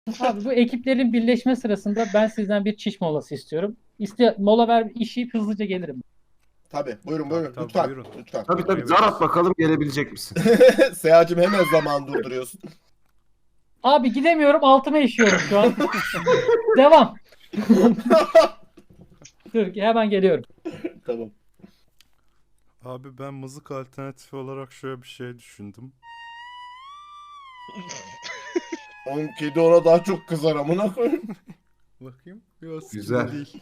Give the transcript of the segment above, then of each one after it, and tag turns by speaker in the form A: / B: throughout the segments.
A: Abi bu ekiplerin birleşme sırasında ben sizden bir çiş molası istiyorum. Mola ver işi hızlıca gelirim.
B: Tabii buyurun
C: Tabii
B: buyurun
C: tabii
B: lütfen.
C: buyurun.
B: Lütfen.
D: Tabii tabii, zar
C: Meyvesiz.
D: at bakalım gelebilecek misin?
B: Seyacım hemen zaman durduruyorsun.
A: Abi gidemiyorum, altıma işiyorum şu an. Devam. Dur hemen geliyorum.
B: Tamam.
C: Abi ben mızık alternatifi olarak şöyle bir şey düşündüm.
B: Onun kedi ona daha çok kızar amına koyayım.
C: Bakayım. Yok
D: Güzel.
C: değil.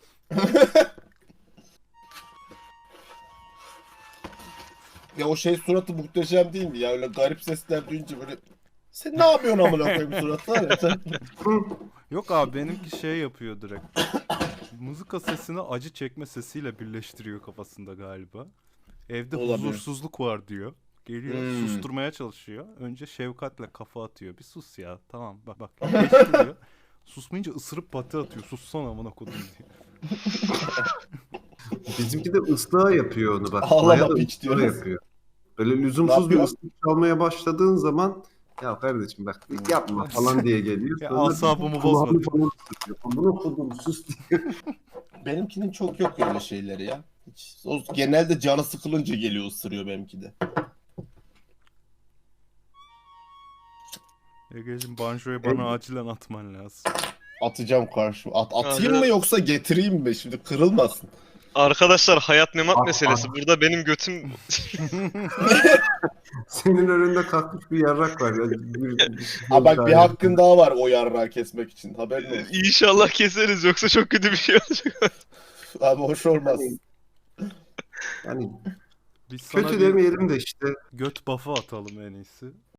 B: Ya o şey suratı muhteşem değil mi ya? Öyle garip sesler duyunca böyle sen ne yapıyorsun amına koyayım suratı var ya sen.
C: Yok abi benimki şey yapıyor direkt. Mızıka sesini acı çekme sesiyle birleştiriyor kafasında galiba. Evde
B: Olabilir.
C: huzursuzluk var diyor. Geliyor
B: Hmm.
C: susturmaya çalışıyor. Önce şefkatle kafa atıyor. Bir sus ya. Tamam bak geçti. Susmayınca ısırıp pati atıyor. Sussana amına kodum diye.
D: Bizimki de ıslığa yapıyor onu bak.
B: Ağlama
D: Maya da
B: piç
D: ıslığa
B: diyoruz.
D: yapıyor. Böyle
B: Ne
D: lüzumsuz bir
B: yapıyor?
D: ıslık çalmaya başladığın zaman ya kardeşim bak yapma falan diye geliyor.
C: Ya
D: Sonra
C: asabımı
D: kulağını
C: bozma.
D: falan ısırıyor. Bunu kodum sus diye.
B: Benimkinin çok yok öyle şeyleri ya. Hiç, o genelde canı sıkılınca geliyor ısırıyor benimki de.
C: Egeciğim banjoyu bana acilen atman lazım.
B: Atacağım karşı. Atayım
E: Abi-
B: mı yoksa getireyim mi? Şimdi kırılmasın.
E: Arkadaşlar hayat memat
D: Ah,
E: meselesi. Burada benim götüm
D: Senin önünde kalkmış bir yarrak var. Ya.
B: Ha bak bir hakkın daha var o yarrağı kesmek için. Haberin olsun.
E: inşallah keseriz yoksa çok kötü bir şey olacak.
B: Abi hoş olmaz.
D: Yani
C: Biz sana
D: kötü
C: bir
D: demeyelim de işte
C: göt buff'ı atalım en iyisi.